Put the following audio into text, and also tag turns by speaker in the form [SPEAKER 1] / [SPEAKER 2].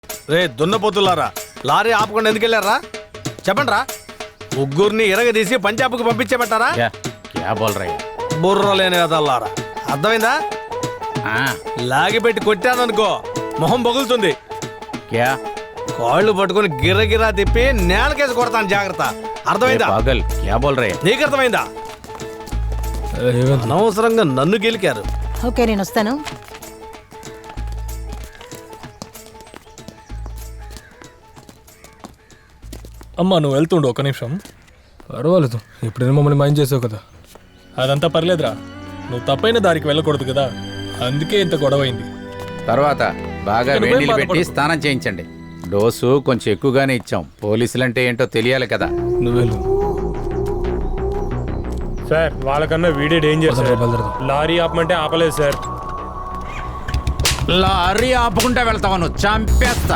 [SPEAKER 1] రే దున్నపోతులారా, lorry ఆపకుండా ఎందుకు వెళ్ళారా? చెప్పండి రా. ముగ్గురిని ఇరగదీసి పంజాబ్కు పంపించేమంటారా?
[SPEAKER 2] క్యా బోల్ రయ్యా?
[SPEAKER 1] బుర్ర లేని కదల్లారా. అర్థమైందా? లాగిపెట్టి కొట్టాననుకో మొహం బగులుతుంది.
[SPEAKER 2] క్యా?
[SPEAKER 1] కాళ్ళు పట్టుకుని గిర్రగిరా తిప్పి నేలకేసి కొడతాను, జాగ్రత్త. అర్థమైందా?
[SPEAKER 2] పాగల్, క్యా బోల్ రయ్యా?
[SPEAKER 1] నీకు అర్థమైందా? అనవసరంగా నన్ను గెలికారు.
[SPEAKER 3] ఓకే, నేను వస్తాను.
[SPEAKER 4] అమ్మా నువ్వు వెళ్తుండు ఒక నిమిషం. పర్వాలేదు, ఇప్పుడైనా మమ్మల్ని మైండ్ చేసావు కదా. అదంతా పర్లేదురా, నువ్వు తప్పైన దారికి వెళ్ళకూడదు కదా, అందుకే ఇంత గొడవైంది.
[SPEAKER 2] తర్వాత బాగా వేడిలు పెట్టి స్నానం చేయించండి. డోసు కొంచెం ఎక్కువగానే ఇచ్చాం. పోలీసులంటే ఏంటో తెలియాలి కదా.
[SPEAKER 4] నువ్వెళ్ళు
[SPEAKER 5] సార్. వాళ్ళకన్నా వీడే డేంజర్ సార్. లారీ ఆపమంటే ఆపలేదు సార్.
[SPEAKER 2] లారీ ఆపుకుంటా వెళ్తావా? నువ్వు చంపేస్తా.